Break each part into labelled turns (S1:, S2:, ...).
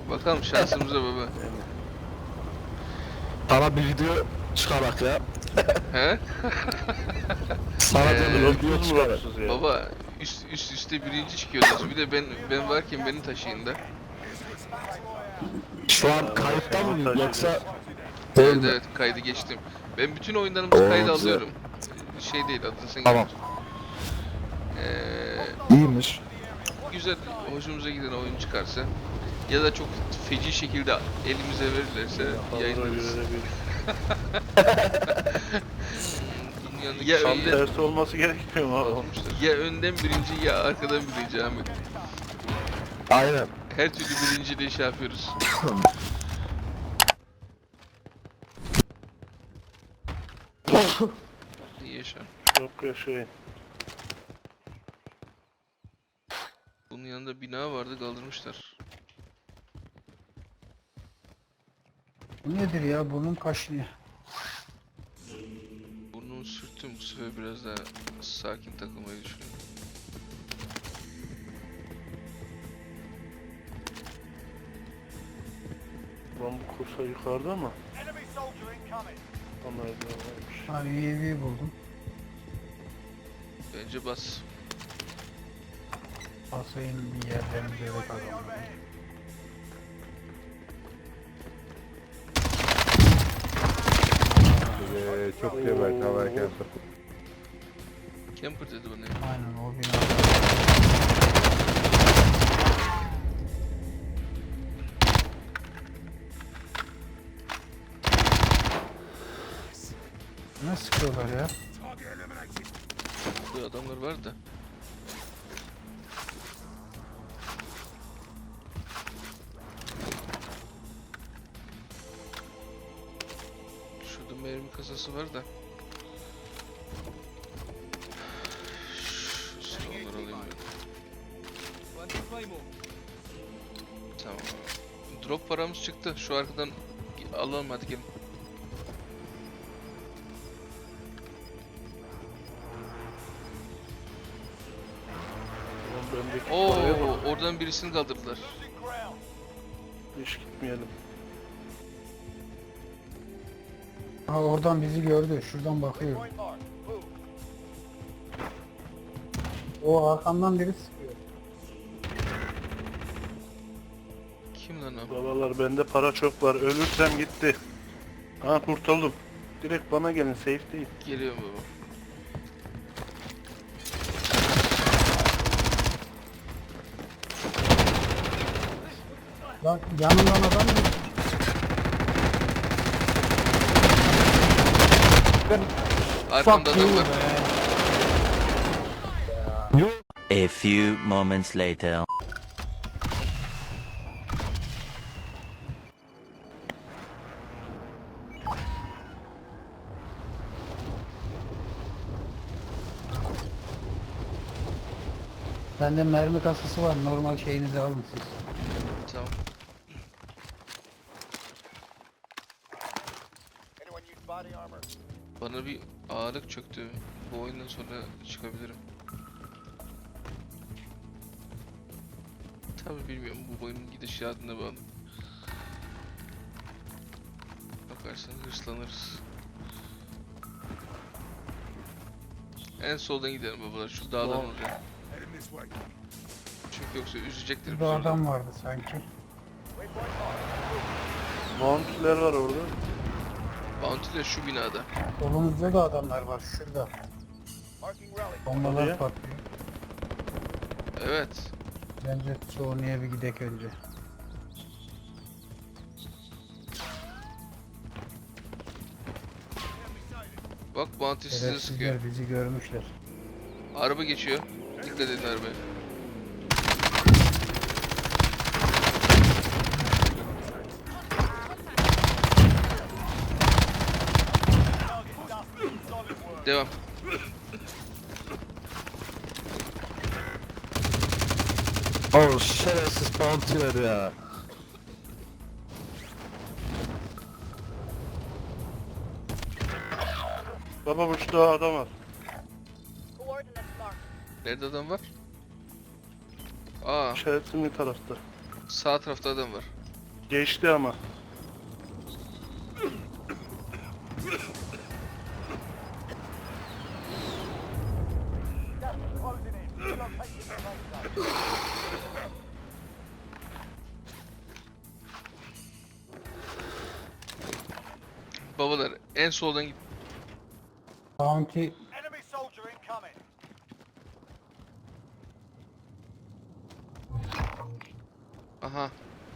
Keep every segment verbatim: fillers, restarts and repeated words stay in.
S1: Bakalım şansımıza baba.
S2: Sana bir video çıkarak ya.
S1: He?
S2: Sana
S1: Ee,
S2: da bir video
S3: Dropsuz mu
S2: çıkarak.
S3: dropsuz ya?
S1: Baba üst üst üste birinci çıkıyordunuz. Bir de ben ben varken beni taşıyın da.
S2: Şu an kayıtta mı
S3: Montaj
S2: yoksa
S3: ediyoruz.
S2: değil
S1: Evet
S2: mi?
S1: evet kaydı geçtim. Ben bütün oyunlarımızı
S2: Oo,
S1: kayda
S2: güzel.
S1: alıyorum. Şey değil adresine
S2: Tamam.
S1: Ee,
S2: İyiymiş.
S1: güzel hoşumuza giden oyun çıkarsa ya da çok feci şekilde elimize verirlerse yayınlarız. Dünyanın ya,
S3: Tam
S1: önden,
S3: tersi olması gerekmiyor mu abi?
S1: ya önden birinci ya arkadan birinci Ahmet.
S2: Aynen.
S1: Her türlü birinciliği şey yapıyoruz. İyi yaşa.
S3: Çok yaşayın.
S1: Bunun yanında bina vardı kaldırmışlar.
S4: Bu nedir ya? Burnum kaşınıyor.
S1: Burnumu sürttüm bu sefer biraz daha sakin takılmayı düşünüyorum.
S3: Lan bu kursa yukarıda mı? Ama varmış.
S4: Ha U A V buldum.
S1: Bence bas.
S4: Asayın bir yerlerini böyle kazandım.
S5: Ee, çok geber havaya geldi.
S1: Camper dedi bana ya.
S4: Aynen o bina. Ne sıkıyorlar ya?
S1: Burada adamlar var da. Şurada mermi kasası var da. Şu silahları alayım ben. Tamam. Drop paramız çıktı. Şu arkadan alalım hadi gelin.
S3: Lan bendeki
S1: Oo,
S3: paraya bak.
S1: oradan birisini kaldırdılar.
S3: Hiç gitmeyelim.
S4: Ha oradan bizi gördü. Şuradan bakıyor. O arkamdan biri sıkıyor.
S1: Kim lan o?
S3: Babalar bende para çok var. Ölürsem gitti. Ha kurtuldum. Direkt bana gelin, safe değil.
S1: Geliyorum baba.
S4: Lan yanından adam geçti.
S1: Arkamda
S4: Fuck
S1: adam
S4: you
S1: var.
S4: be.
S6: A few moments later.
S4: Bende mermi kasası var. Normal şeyinizi alın siz.
S1: Tamam. Bana bir ağırlık çöktü. Bu oyundan sonra çıkabilirim. Tabi bilmiyorum bu oyunun gidişatına bağlı. Bakarsan hırslanırız. En soldan gidelim babalar şu dağdan
S3: Tamam.
S1: oraya. Çünkü yoksa üzecektir bizi
S4: Burada
S1: orada.
S4: adam vardı sanki.
S3: Mount'ler var orada.
S1: Bounty de şu binada.
S4: Solumuzda da adamlar var şurada. Bombalar
S3: Oraya.
S4: patlıyor.
S1: Evet.
S4: Bence Sony'ye bir gidek önce.
S1: Bak Bounty sizi sıkıyor.
S4: Şerefsizler bizi görmüşler.
S1: Araba geçiyor. Dikkat edin arabaya. Devam.
S2: Oh şerefsiz bounty'ler ya.
S3: Baba bu şu daha adam var.
S1: Nerede adam var? Aa,
S3: İşaretimli tarafta.
S1: sağ tarafta adam var.
S3: Geçti ama.
S1: Babalar en soldan git.
S4: Bounty
S7: Enemy soldier incoming.
S1: Aha.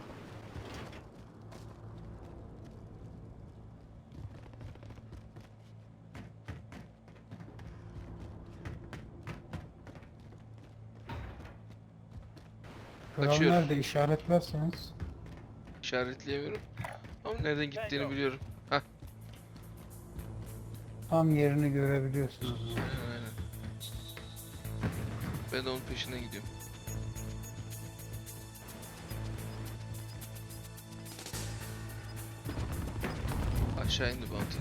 S4: kral
S1: Kaçıyor.
S4: nerede işaretlerseniz.
S1: İşaretleyemiyorum. Ama nereden gittiğini biliyorum. Hah.
S4: Tam yerini görebiliyorsunuz.
S1: Aynen aynen. Ben de onun peşinden gidiyorum. Aşağı indi bounty.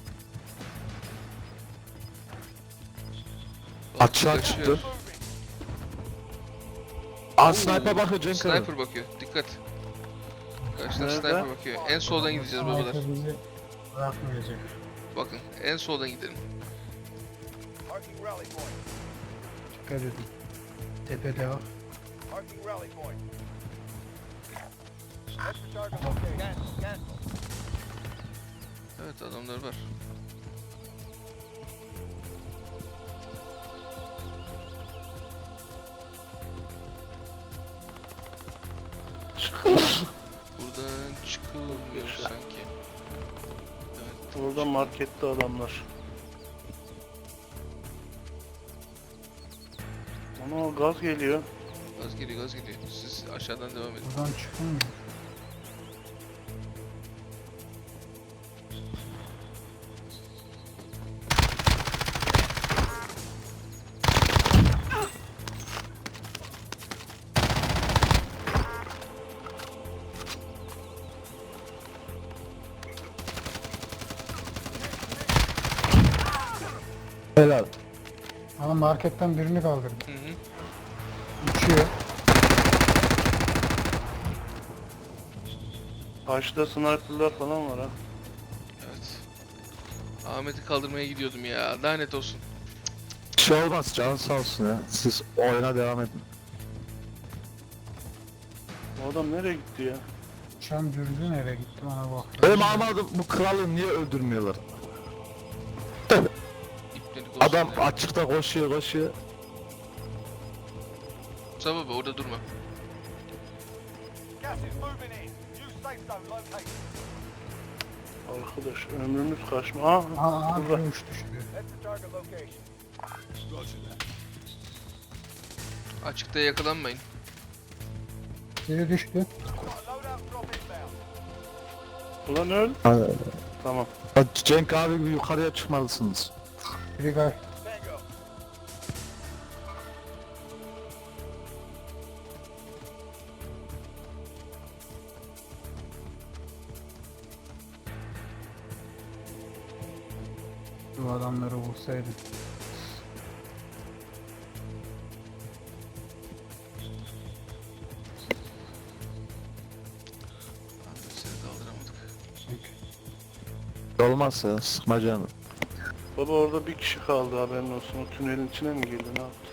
S1: Bounty
S2: Açığa
S1: kaçıyor.
S2: çıktı. Aa sniper bakıyor Cenk abi.
S1: Sniper bakıyor. Dikkat. Karşıdan
S3: Nerede?
S1: sniper bakıyor. En soldan gideceğiz babalar.
S4: Sniper bizi bırakmayacak.
S1: Bakın en soldan gidelim.
S7: Marking rally point.
S4: Dikkat edin. Tepede var.
S7: Marking rally point. Head for target location. Cancel, cancel.
S1: Evet adamlar var. Buradan çıkılmıyor sanki. Evet.
S3: Orada markette adamlar. Ana gaz geliyor.
S1: Gaz geliyor gaz geliyor. Siz aşağıdan devam edin.
S4: Buradan çıkılmıyor.
S2: Helal.
S4: Ama marketten birini kaldırdı.
S1: Hı hı.
S4: Uçuyor.
S3: Karşıda sniperlar falan var ha.
S1: Evet. Ahmet'i kaldırmaya gidiyordum ya. Lanet olsun.
S2: Bir şey olmaz canın sağ olsun ya. Siz oyuna devam edin.
S3: Bu adam nereye gitti ya?
S4: Uçan dürdü nereye gitti bana bak.
S2: Benim anlamadım bu kralı niye öldürmüyorlar?
S1: İpnelik olsun
S2: Adam
S1: ya.
S2: açıkta koşuyor koşuyor.
S1: Musa baba orada durma.
S7: Gas is moving in. New safe zone located.
S3: Arkadaş ömrümüz kaçma. Aa,
S4: Aa, aa
S3: burada.
S4: dövüş düştü.
S7: Head for target location.
S1: Açıkta yakalanmayın.
S4: Biri düştü.
S7: Got a loadout drop inbound.
S3: Ulan öl.
S2: Ha,
S3: Tamam.
S2: Cenk abi gibi yukarıya çıkmalısınız.
S4: Biri kay.
S7: Tango.
S4: Bu adamları vursaydı.
S1: Ahmet seni kaldıramadık.
S2: Olmaz ya sıkma canım.
S3: Baba orada bir kişi kaldı haberin olsun. O tünelin içine mi girdi ne yaptı?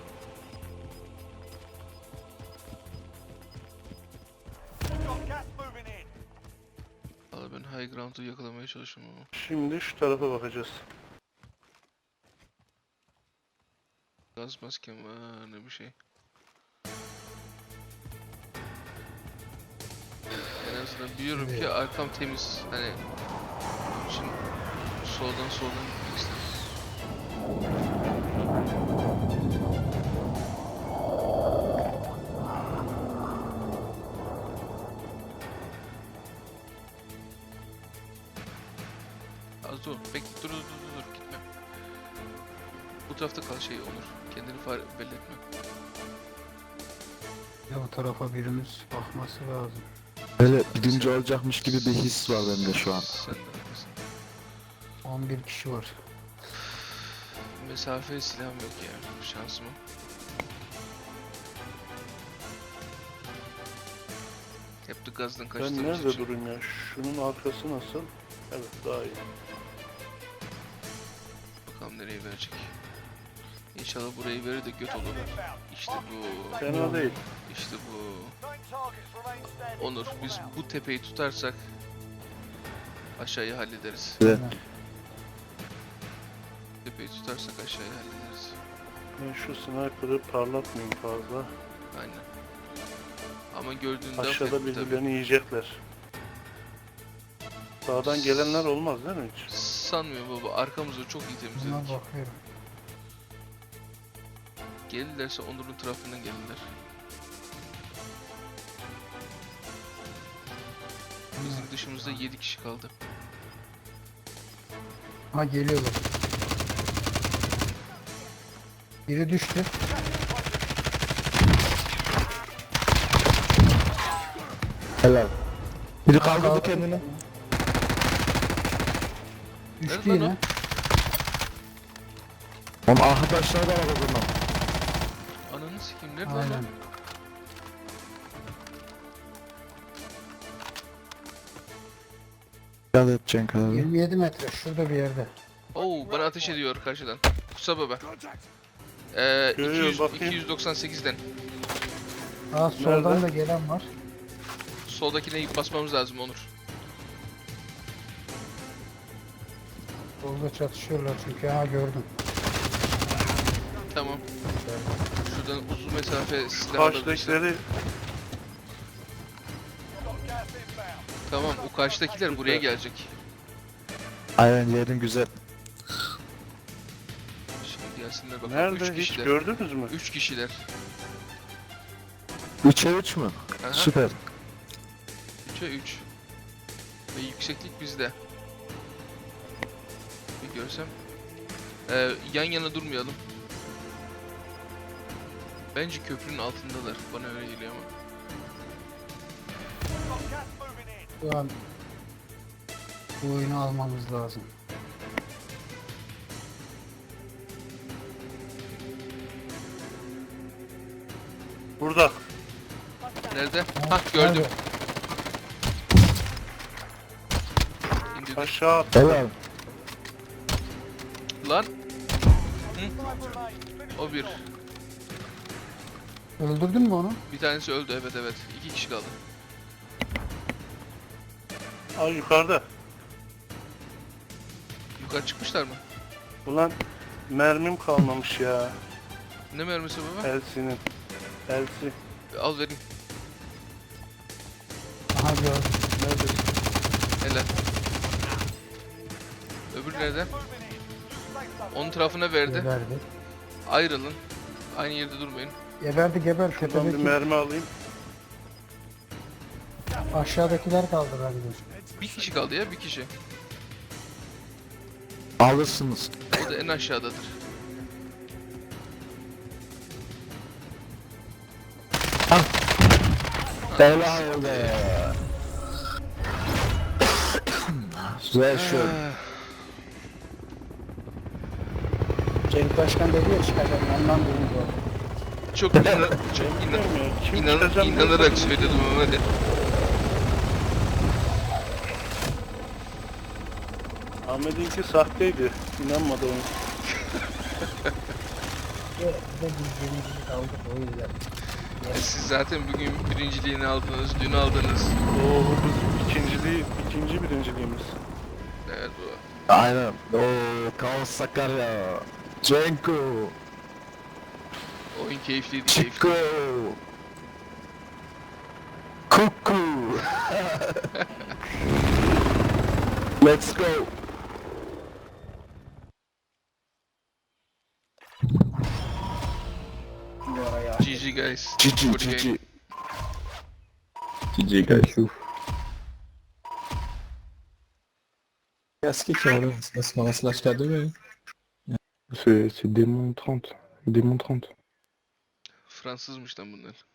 S7: Got gas moving in.
S1: Valla ben high ground'u yakalamaya çalışıyorum ama.
S3: Şimdi şu tarafa bakacağız.
S1: Gaz maskem var ne bir şey. En azından biliyorum ki arkam temiz. Hani şimdi soldan soldan gitmek istedim. Az dur. Bekle dur dur dur dur gitme. Bu tarafta kal şey olur. Kendini fare belli etme.
S4: Ya bu tarafa birimiz bakması lazım.
S2: Böyle birinci olacakmış gibi bir his var bende şu an.
S1: Sen de haklısın.
S4: on bir kişi var.
S1: Mesafe silahım yok ya. Şansıma. Hep de gazdan
S3: Ben
S1: kaçtığımız
S3: nerede
S1: için.
S3: durayım ya? Şunun arkası nasıl? Evet, daha iyi.
S1: Bakalım nereye verecek. İnşallah burayı verir de göt olur. İşte bu.
S3: Fena değil.
S1: İşte bu.
S7: Nine targets remain standing.
S1: Onur, biz bu tepeyi tutarsak aşağıyı hallederiz.
S2: Evet.
S1: Tepeyi tutarsak aşağıyı hallederiz.
S3: Ben şu sniper'ı parlatmayayım fazla.
S1: Aynen. Ama gördüğünde
S3: Aşağıda
S1: affetme tabii.
S3: birbirlerini yiyecekler. Sağdan gelenler olmaz değil mi hiç?
S1: Sanmıyorum baba. Arkamızı çok iyi
S4: Buna
S1: temizledik.
S4: bakıyorum.
S1: Gelirlerse Onur'un tarafından gelirler. Bizim dışımızda yedi kişi kaldı.
S4: Ha geliyorlar. Biri düştü.
S2: Helal. Biri
S4: Kaldı.
S2: kaldırdı kendini.
S4: Düştü
S1: Nerede lan
S4: yine.
S2: Onun arkadaşları da var o zaman.
S1: Ananı sikeyim nerede lan?
S4: Aynen.
S2: Dikkat et Cenk abi.
S4: yirmi yedi metre şurada bir yerde.
S1: Oo bana ateş ediyor karşıdan. Kusa baba. Ee, iki
S3: Görüyorum,
S1: yüz,
S3: bakayım.
S1: iki yüz doksan sekizden.
S4: Aa soldan
S3: Nerede?
S4: da gelen var.
S1: Soldakine basmamız lazım Onur.
S4: Solda çatışıyorlar çünkü. Ha gördüm.
S1: Tamam. Şuradan uzun mesafe silah alabilirsin.
S3: Karşıdakileri
S7: Got gas inbound.
S1: Tamam o karşıdakiler buraya gelecek.
S2: Aynen yerin güzel.
S1: Şimdi gelsinler bakalım.
S3: nerede
S1: Üç
S3: hiç
S1: kişiler.
S3: gördünüz mü?
S1: Üç kişiler.
S2: üçe üç mü?
S1: Aha.
S2: Süper.
S1: Üçe üç. Ve yükseklik bizde. Bir görsem. Ee, yan yana durmayalım. Bence köprünün altındalar. Bana öyle geliyor ama.
S7: Got gas moving in.
S4: Şu an bu oyunu almamız lazım.
S3: Burada.
S1: Nerede?
S4: Ha,
S1: Hah gördüm.
S4: nerede?
S3: Aşağı
S1: İndirdim.
S3: attı.
S2: Helal.
S1: Lan
S7: Five remain.
S1: o bir.
S4: Öldürdün mü onu?
S1: Bir tanesi öldü evet evet. İki kişi kaldı.
S3: Aa, yukarıda.
S1: Yukarı çıkmışlar mı?
S3: Ulan mermim kalmamış ya.
S1: Ne mermisi baba?
S3: Elsinin. Elsi.
S1: Al vereyim.
S4: Aha gördüm.
S3: Neredesin?
S1: Helal. Öbür nerede?
S7: Moving in. Safe zone.
S1: Onun tarafına verdi.
S4: Geberdi.
S1: Ayrılın. Aynı yerde durmayın.
S4: Geberdi geber.
S3: Şuradan bir
S4: Tepedeki
S3: mermi alayım.
S4: aşağıdakiler kaldı bende.
S1: Bir kişi kaldı ya bir kişi.
S2: Alırsınız.
S1: O da en aşağıdadır.
S2: Helal be. Güzel şu.
S4: Cenk Başkan dedi ya çıkacak. Ondan dedim bu.
S1: Çok inan çok inan
S3: Bilmiyorum ya. Kim
S1: inan
S3: çıkacağım
S1: inanarak
S3: diye-
S1: söyledim ama de.
S3: Ahmet'inki sahteydi. İnanmadı ona.
S4: Ve de biz birincilik aldık o yüzden.
S1: E, Siz zaten bugün birinciliğini aldınız, dün aldınız.
S3: Oo, biz ikinciliği, ikinci birinciliğimiz.
S1: Evet bu.
S2: Aynen. Oo, Kaos Sakarya. Cenko.
S1: Oyun keyifliydi, keyifli.
S2: Chico. Kuku. Let's go.
S1: G G guys.
S2: G G
S1: Good
S2: G
S1: game.
S2: G. G G guys.
S8: Qu'est-ce qu'il y a là? Ça se commence l'H K deux, hein?
S5: C'est c'est démon trente. Démon trente.
S1: Fransızmış lan bunlar.